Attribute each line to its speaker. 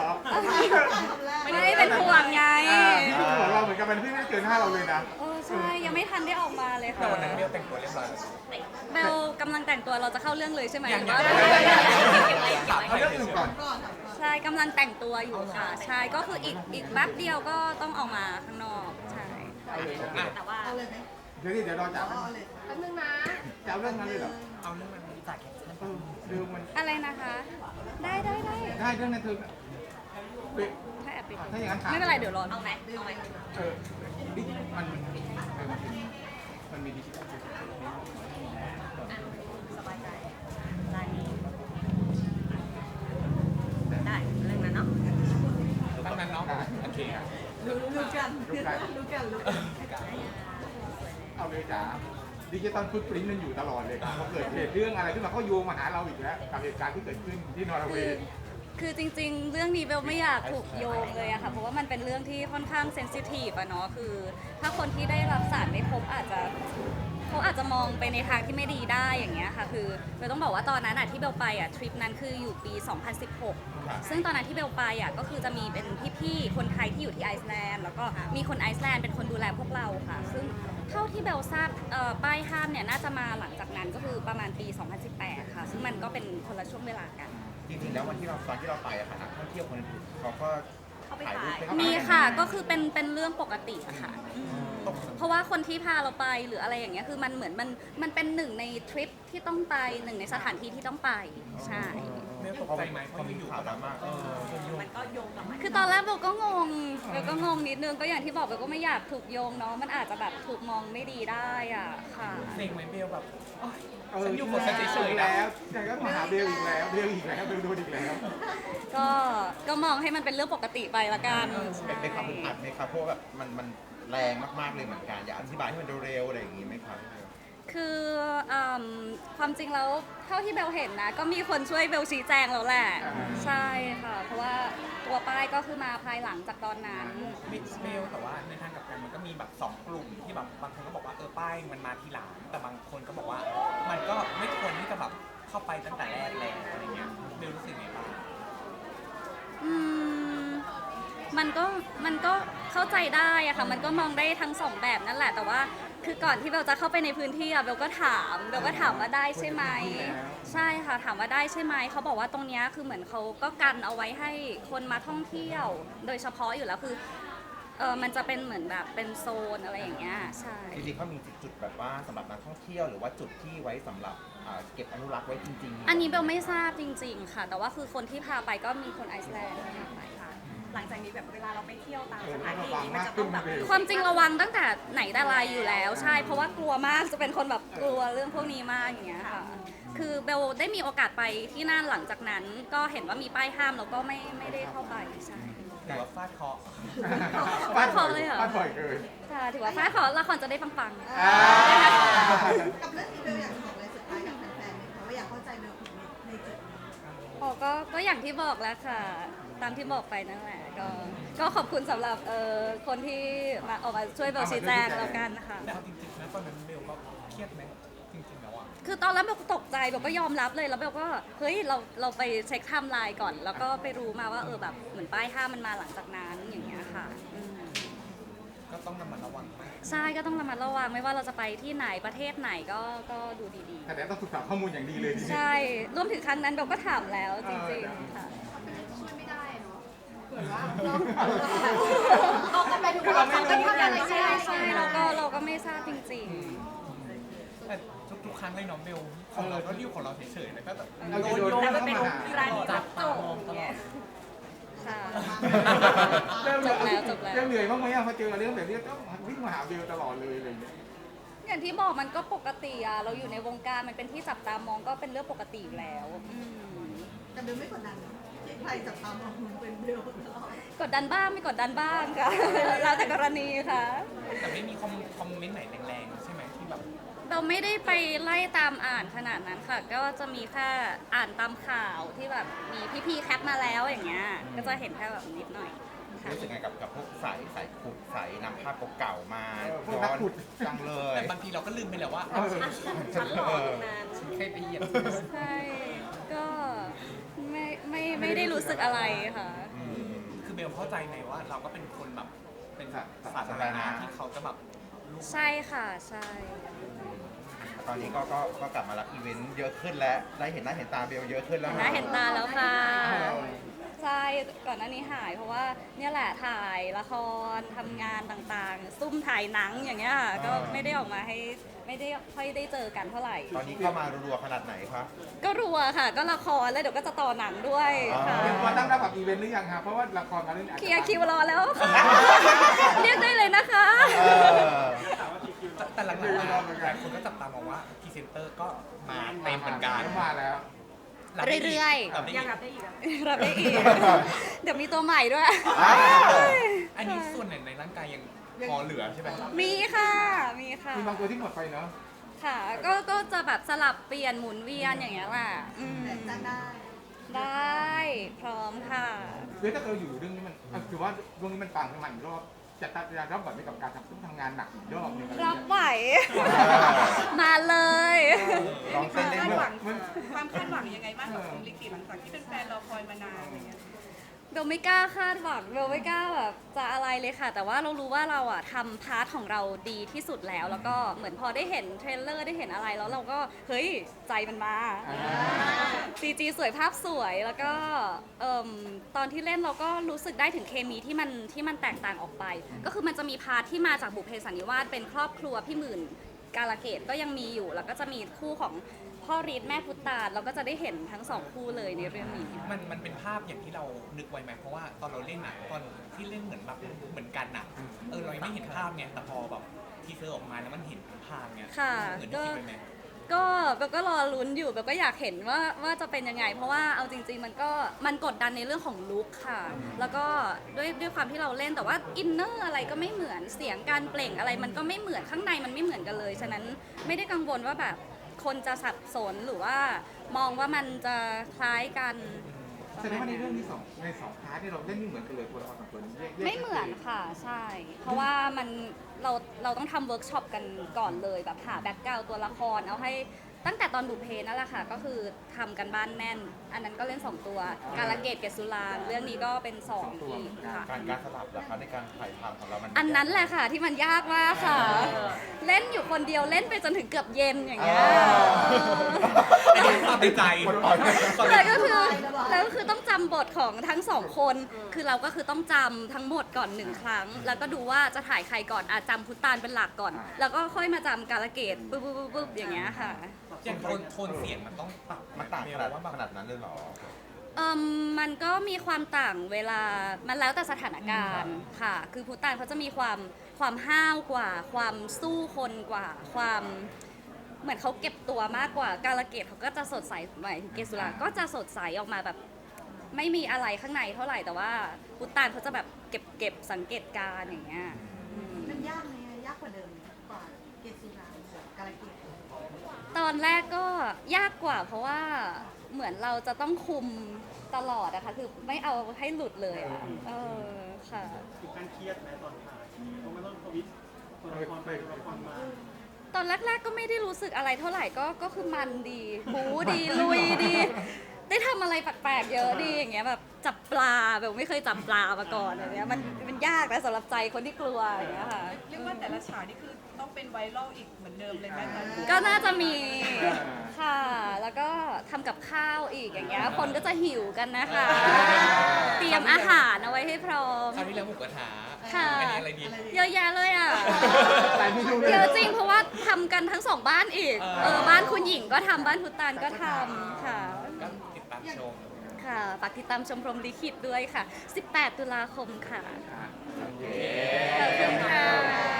Speaker 1: รอ
Speaker 2: ไม่ได้เป็นห่วงไง
Speaker 1: ที่ห่วงเราเหมือนกันมันพี่ไม่ได้เกิน5เราเลยนะ
Speaker 2: ใช่ยังไม่ทันได้ออกมาเลย
Speaker 3: แต่
Speaker 2: ค่ะ
Speaker 3: วันนั้นเบลแต่งตัวเรียบร้อยแล้ว
Speaker 2: เบลกำลังแต่งตัวเราจะเข้าเรื่องเลยใช่ไหม
Speaker 3: ยัง
Speaker 2: หรือว่า
Speaker 1: เอาเรื่องอื่นก่อน
Speaker 2: ใช่กำลังแต่งตัวอยู่ค่ะใช่ก็คืออีกแป๊บเดียวก็ต้องออกมาข้างนอกใช่
Speaker 4: แต่ว่า
Speaker 1: เดี๋ยวรอจาก
Speaker 4: แป๊บนึงนะ
Speaker 1: จะเอาเรื่องนั้นเลยเหรอ
Speaker 3: เอาเรื่องมันจากแคปชั่น
Speaker 1: เรื่องมัน
Speaker 2: อะไรนะคะ ได้
Speaker 1: ได้เรื่องนั้นเธอ
Speaker 2: ถ้าแอบปิด
Speaker 1: ถ้าอย่างนั้นถาม
Speaker 2: ไม่เป็นไรเดี๋ยวรอ
Speaker 4: เอาไหมเอาไหม
Speaker 1: ดิมันมีดิจิทัล
Speaker 4: สบายใจร้านนี้ได้เรื่องนั้นเนาะ
Speaker 3: ตั้งนั้นเนาะโอเคครับ
Speaker 4: รู้กัน
Speaker 1: เอาเลยจ้าดิจิตอลฟุตปรินต์มันอยู่ตลอดเลยพอเกิดเหตุเรื่องอะไรขึ้นมาเขาโยงมาหาเราอีกแล้วกับเหตุการณ์ที่เกิดขึ้นที่นอร์เวย์
Speaker 2: คือจริงๆ เรื่องนี้เบลไม่อยากถูกโยงเลยอะค่ะเพราะว่ามันเป็นเรื่องที่ค่อนข้างเซนซิทีฟอะเนาะคือถ้าคนที่ได้รับสารไม่ครบเขาอาจจะมองไปในทางที่ไม่ดีได้อย่างเงี้ยค่ะคือเบลต้องบอกว่าตอนนั้นอะที่เบลไปอะทริปนั้นคืออยู่ปี 2016 ซึ่งตอนนั้นที่เบลไปอะก็คือจะมีเป็นพี่ๆคนไทยที่อยู่ที่ไอซ์แลนด์แล้วก็มีคนไอซ์แลนด์เป็นคนดูแลพวกเราค่ะซึ่งเท่าที่เบลทราบป้ายห้ามเนี่ยน่าจะมาหลังจากนั้นก็คือประมาณปี 2018 ค่ะซึ่งมันก็เป็นคนละช่วงเวลากัน
Speaker 5: จริงๆแล้ววันที่ตอนที่เราไปอะค่ะนักท่องเที่ยวคนอื่นเขาก็
Speaker 4: เข้าไป
Speaker 5: ถ่ายรูป
Speaker 4: ถ่าย
Speaker 5: ไป
Speaker 2: มีค่ะก็คือเป็นเรื่องปกติอะค่ะเพราะว่าคนที่พาเราไปหรืออะไรอย่างเงี้ยคือมันเหมือนมันเป็นหนึ่งในทริปที่ต้องไปหนึ่งในสถานที่ที่ต้องไปใช่
Speaker 3: เบลตกใจไหมเพราะอยู่ๆก็แบบ
Speaker 4: มันก็โยงกับมัน
Speaker 2: คือตอนแรกเบลก็งงนิดนึงก็อย่างที่บอกเบลก็ไม่อยากถูกโยงเนาะมันอาจจะแบบถูกมองไม่ดีได้อ่ะค่ะ
Speaker 3: เซ็งไหมเบลแบบฉั
Speaker 1: ฉั
Speaker 3: น
Speaker 1: น
Speaker 3: อ
Speaker 1: อยู่ ยู่
Speaker 3: กั
Speaker 1: กั
Speaker 3: บบ ฉัน
Speaker 1: ฉัน
Speaker 3: เฉ
Speaker 1: เฉ
Speaker 3: ย
Speaker 1: ย
Speaker 3: ๆ
Speaker 1: ๆ
Speaker 3: แล้
Speaker 1: แล้ว วยังก็มาหาเบลอีกแล้วเบลอีกแล้วโดนอีกแล้ว
Speaker 2: ก็มองให้มันเป็นเรื่องปกติไปละกัน
Speaker 5: เป็นความอึดอัดไหมครับเพราะว่าแบบมันแรงมากๆเลยเหมือนกันอยากอธิบายให้มันเร็วๆอะไรอย่างงี้ไหมครับ
Speaker 2: คือความจริงแล้วเท่าที่เบลเห็นนะก็มีคนช่วยเบลชี้แจงแล้วแหละใช่ค่ะเพราะว่าตัวป้ายก็คือมาภายหลังจากตอนนั้น
Speaker 3: มิกซ์เบลแต่ว่าในทางกลับกันมันก็มีแบบ2กลุ่มที่แบบบางคนก็บอกว่าป้ายมันมาทีหลังแต่บางคนก็บอกว่ามันก็ไม่ควรที่จะแบบเข้าไปตั้งแต่แรกแล้วอะไรเงี้ยเบลรู้สึกไงบ้าง
Speaker 2: มันก็เข้าใจได้อะค่ะมันก็มองได้ทั้งสองแบบนั่นแหละแต่ว่าคือก่อนที่เบลจะเข้าไปในพื้นที่อะเบลก็ถามว่าได้ใช่ไหมใช่ค่ะถามว่าได้ใช่ไหมเขาบอกว่าตรงเนี้ยคือเหมือนเขาก็กันเอาไว้ให้คนมาท่องเที่ยว โดยเฉพาะอยู่แล้วคือมันจะเป็นเหมือนแบบเป็นโซนอะไรอย่างเงี้ยใช่
Speaker 5: จริงๆเขามีจุดแบบว่าสำหรับนักท่องเที่ยวหรือว่าจุดที่ไว้สำหรับเก็บอนุรักษ์ไว้จริงๆ
Speaker 2: อันนี้เบลไม่ทราบจริงๆค่ะแต่ว่าคือคนที่พาไปก็มีคนไอซ์แลนด์พาไปค่ะ
Speaker 4: หลังจากนี้แบบเวลาเราไปเที่ยวตามสถานที่นี้มันจะต้องแบบ
Speaker 2: ความจริงระวังตั้งแต่ไหนแต่ไรอยู่แล้วใช่เพราะว่ากลัวมากจะเป็นคนแบบกลัวเรื่องพวกนี้มากอย่างเงี้ยค่ะคือเบลได้มีโอกาสไปที่นั่นหลังจากนั้นก็เห็นว่ามีป้ายห้ามแล้วก็ไม่ได้เข้าไปใช่
Speaker 3: ถือว่าฟาดเคราะห์
Speaker 2: ฟาดเคราะห์เลยเหรอ
Speaker 1: ฟาดบ่อยเกิน
Speaker 2: ค่ะถือว่าฟ้าขอละครจะได้ปัง
Speaker 6: กับเรื่องนี้เบลอยากบอกอะไรสุดท้ายกับแฟนๆไหมคะว่าอยากเข้าใจเบลผิดในจุดนี้
Speaker 2: ๆก็อย่างที่บอกแล้วค่ะ ตามที่บอกไปนั่นแหละก็ขอบคุณสำหรับคนที่มาออกมาช่วยเบลชี้แจงแล้วกันนะคะ
Speaker 3: แต่เอาจริงๆนะตอนนั้นเบลก็เครียดไหมจริงๆแล้วอ่ะ
Speaker 2: คือตอนแรกเบลก็ตกใจเบลก็ยอมรับเลยแล้วเบลก็เฮ้ยเราไปเช็คไทม์ไลน์ก่อน แล้วก็ไปรู้มาว่าแบบเหมือนป้ายห้ามมันมาหลังจากนั้นอย่างเงี้ยค่ะ
Speaker 3: ก็ต้องระมัดระวังมาก
Speaker 2: ใช่ก็ต้องระมัดระวังไม่ว่าเราจะไปที่ไหนประเทศไหนก็ดูดี
Speaker 1: แต่ต้องศึกษาข้อมูลอย่างดีเลยที
Speaker 2: ๆ
Speaker 1: นี้
Speaker 2: ใช่รวมถึงครั้งนั้นเบลก็ถามแล้วจริงๆค่ะ
Speaker 6: ช่วยไม่ได้เนาะเผื่อว่าเราก็ไปดูว่าเขาจะทำอะไร
Speaker 2: ใช่เราก็ไม่ทราบจริง
Speaker 3: แต่ทุกๆครั้งเลยน้องเบลของเราก็ดิวของเราเฉยๆแล้วก็แบบ
Speaker 1: เรา
Speaker 3: โด
Speaker 1: จะ
Speaker 3: น
Speaker 1: โดน
Speaker 3: โยง
Speaker 1: เข้า
Speaker 4: เป็น
Speaker 1: มาหา
Speaker 4: ร้านนี้
Speaker 3: จั
Speaker 4: รั
Speaker 3: บบ
Speaker 4: โจ
Speaker 3: ตามองตลอด
Speaker 2: ๆค่ะ
Speaker 1: จบแล้ว
Speaker 2: จบแล้ว
Speaker 1: เรื่องเหนื่อยบ้างไหมพอเจอเรื่องแบบนี้ต้องวิ่งมาหาเบลตลอดเลยอะไรอย่างเงี้ย
Speaker 2: อย่างที่บอกมันก็ปกติอะเราอยู่ในวงการมันเป็นที่จับตามองก็เป็นเรื่องปกติอยู่แล้ว
Speaker 6: แต่เบลไม่กดดันนะที่ใครจับตามองมึงเป็นเบลตลอด
Speaker 2: กดดันบ้างไม่กดดันบ้างค่ะ แล้วแต่กรณีค่ะ
Speaker 3: แต่ไม่มีคอมเมนต์ไหนแรงๆใช่ไหมที่แบบ
Speaker 2: เราไม่ได้ไปไล่ตามอ่านขนาดนั้นค่ะ ก็จะมีแค่อ่านตามข่าวที่แบบมีพี่ๆแคปมาแล้วอย่างเงี้ยก็จะเห็นแค่แบบนิดหน่อยค่ะ
Speaker 5: รู้สึกไงกับพวกสายขุดสายนำภาพเก่าๆมา
Speaker 1: พวกนักขุด
Speaker 5: จังเลย
Speaker 3: แต่บางทีเราก็ลืมไปแล้วว่า
Speaker 4: ฉันหล่อตรงนั้น
Speaker 3: ฉันเคยไปเหยียบ
Speaker 2: ใช่ก็ไม่ได้รู้สึกอะไรค่ะ
Speaker 5: อืม
Speaker 3: ลเข้าใจไหมว่าเราก็เป็นคนแบบเป็นสาธารณะที่เขาจะแบบลูก
Speaker 2: ใช่ค่ะใช่
Speaker 5: ตอนนี้ก็กลับมารับอีเวนต์เยอะขึ้นแล้วได้เห็นหน้าเห็นตาเบลเยอะขึ้นแล้ว
Speaker 2: เห็นหน้าเห็นตาแล้วค่ะ ใช่ก่อนหน้านี้หายเพราะว่าเนี่ยแหละถ่ายละครทำงานต่างๆ ซุ่มถ่ายหนังอย่างเงี้ยค่ะก็ไม่ได้ออกมาให้ไม่ได้ค่อยได้เจอกันเท่าไหร่
Speaker 5: ตอนนี้เข้ามารัวๆขนาดไหนคะ
Speaker 2: ก็รัวค่ะ ก็ละครแล้วเดี๋ยวก็จะต่อหนังด้วยค่ะ
Speaker 1: เตรียมตัวตั้งรับกับอีเวนต์หรือยังครับเพราะว่าละครมาเรื่อง
Speaker 2: เคลียร์คิวรอแล้วค่ะ เรียกได้เลยนะคะ
Speaker 5: เออ
Speaker 3: แต่หลังๆหลายคนก็จับตามองว่าพรีเซนเตอร์ก็มาเต็มเหมือนกัน
Speaker 1: มาแล้ว
Speaker 2: เรื่อยๆ
Speaker 3: รับได้
Speaker 4: ยัง
Speaker 3: อีก
Speaker 4: รับได้อีกอะ
Speaker 2: รับได้อีก เดี๋ยวมีตัวใหม่ด้วย
Speaker 3: อันนี้ส่วนไหนในร่างกายยังพอเหลือใช่ไหม
Speaker 2: มีค่ะ มีค่ะ
Speaker 1: มีบางตัวที่หมดไปเนาะ
Speaker 2: ค่ะ ก็จะแบบสลับเปลี่ยนหมุนเวียนอย่างเงี้ยแหละอืม
Speaker 6: แต่จ้างได้
Speaker 2: ได้พร้อมค่ะ
Speaker 1: คือถ้าเราอยู่เรื่องนี้มันถือว่าเรื่องนี้มันปังขึ้นมาอีกรอบจะรับบทในกับการทำงานหนักอีกรอบนึงอะไร
Speaker 2: รับ
Speaker 1: เงี้ย
Speaker 2: ไหว มาเลย
Speaker 5: ลองเต้นเล่น
Speaker 4: คาด
Speaker 5: ด้ว
Speaker 4: ห
Speaker 5: ย
Speaker 4: วังความคาดหวังยังไงบ้างกับคุณลิขิตหลังจากที่เป็นแฟนรอคอยมานานอะไรเงี้ย
Speaker 2: เบลไม่กล้าคาดหวังเบลไม่กล้าแบบจะอะไรเลยค่ะ แต่ว่าเรารู้ว่าเราอะทำพาร์ทของเราดีที่สุดแล้ว แล้วก็เหมือนพอได้เห็นเทรลเลอร์ได้เห็นอะไรแล้วเราก็เฮ้ยใจมันมา CG สวยภาพสวยแล้วก็ตอนที่เล่นเราก็รู้สึกได้ถึงเคมีที่มันแตกต่างออกไป ก็คือมันจะมีพาร์ทที่มาจากบุพเพสันนิวาสเป็นครอบครัวพี่หมื่นกาลเกตก็ยังมีอยู่ แล้วก็จะมีคู่ของพ่อรีดแม่พุตตานเราก็จะได้เห็นทั้งสองคู่เลยในเรื่องนี้
Speaker 3: มันเป็นภาพอย่างที่เรานึกไว้ไหมเพราะว่าตอนเราเล่นอะตอนที่เล่นเหมือนแบบเหมือนกันอะเรายังไม่เห็นภาพไงแต่พอแบบทีเซอร์ออกมาแล้วมันเห็นภาพไง
Speaker 2: ค่ะ
Speaker 3: เหมือนที่คิดไว้ไหม
Speaker 2: ก็เบลก็รอลุ้นอยู่เบลก็อยากเห็นว่าจะเป็นยังไง เพราะว่าเอาจริงๆมันกดดันในเรื่องของลุคค่ะ แล้วก็ด้วยความที่เราเล่นแต่ว่าอินเนอร์อะไรก็ไม่เหมือนเสียงการเปล่งอะไรมันก็ไม่เหมือนข้างในมันไม่เหมือนกันเลยฉะนั้นไม่ได้กังวลว่าแบบคนจะสับสนหรือว่ามองว่ามันจะคล้ายกัน
Speaker 1: แสดงว่าในเรื่องนี้ในสองพาร์ทที่เราเล่นไม่เหมือนกันเลยตัวละครสองตัวนี้แยก
Speaker 2: ไม่เหมือนค่ะใช่ เพราะว่าเราต้องทำเวิร์กช็อปกันก่อนเลยแบบหาแบ็กกราวด์ตัวละครเอาให้ตั้งแต่ตอนบุพเพนั่นแหละค่ะ ก็คือทำกันบ้านแน่น อันนั้นก็เล่น 2 ตัว กาลเกตเกศสุรางค์เรื่องนี้ก็เป็น2อีกค่ะ
Speaker 5: การสลับนะคะในการถ่ายทำของเรามัน
Speaker 2: อันนั้นแหละค่ะที่มันยากมากค่ะ เล่นอยู่คนเดียวเล่นไปจนถึงเกือบเย็นอย่างเงี้ย
Speaker 3: อันนี้ความในใจ
Speaker 2: แล้วก็คือต้องจำบทของทั้งสองคน คือเราก็คือต้องจำทั้งหมดก่อน1 ครั้ง แล้วก็ดูว่าจะถ่ายใครก่อนอาจจำพุตตานเป็นหลักก่อน แล้วก็ค่อยมาจำกาลเกตปุ๊บอย่างเงี้ยค่ะ
Speaker 3: อย่างโทนเสียงมันต้องปรับ
Speaker 5: มันต่าง
Speaker 3: เม
Speaker 5: ข
Speaker 3: ล
Speaker 5: นาด
Speaker 3: ว่าแบบ
Speaker 5: ขนาดนั้นเลยเหรอ
Speaker 2: มันก็มีความต่างเวลา มันแล้วแต่สถานการณ์ค่ะ คือพุตตานเขาจะมีความห้าวกว่า ความสู้คนกว่า ความเหมือนเขาเก็บตัวมากกว่า กาลเกตเขาก็จะสดใสหมายถึงเกสุราก็จะสดใสออกมาแบบไม่มีอะไรข้างในเท่าไหร่ แต่ว่าพุตตานเขาจะแบบเก็บสังเกตการณ์อย่างเงี้ยอืม
Speaker 6: มันยากไหมยากกว่าเดิมไหมกว่าเกศสุรางค์กาลเกต
Speaker 2: ตอนแรกก็ยากกว่าเพราะว่าเหมือนเราจะต้องคุมตลอดอะค่ะคือไม่เอาให้หลุดเลยอะค่ะ
Speaker 7: ถึงการเครียดไหมตอนถ่ายเพราะมันต้องทวิตตัวละครไปตัวละครมา
Speaker 2: ตอนแรกๆก็ไม่ได้รู้สึกอะไรเท่าไหร่ก็คือมันดีบู๊ดีลุยดี ได้ทำอะไรแปลกๆเยอะดีอย่างเงี้ยแบบจับปลาแบบไม่เคยจับปลามาก่อนอย่างเงี้ยมันยากนะสำหรับใจคนที่กลัวอย่างเงี้ยค่ะ
Speaker 4: เรียกว่าแต่ละฉากนี่คือต้องเป็นไวรัลอีกเหมือนเดิมเลยไหมคะ
Speaker 2: ก็น่าจะมีค่ะ แล้วก็ทำกับข้าวอีกอย่างเงี้ยคนก็จะหิวกันนะคะ เตรียมอาหารเอาไว้ให้พร้อม
Speaker 3: คราวที่แล้วหมูกระทะ
Speaker 2: ค่ะ
Speaker 3: อันนี้อะไรดี
Speaker 2: เยอะแยะเลยอ่ะ
Speaker 1: หลายเมนูเลย
Speaker 2: เยอะจริงเพราะว่าทำกันทั้ง2 บ้านอีก บ้านคุณหญิงก็ทำบ้านพุตตานก็ทำค่ะ
Speaker 3: ก็ติดตามชม
Speaker 2: ค่ะฝากติดตามชมพรหมลิขิตด้วยค่ะ 18 ตุลาคมค่ะ
Speaker 1: โอเค
Speaker 2: ขอบคุณค่ะ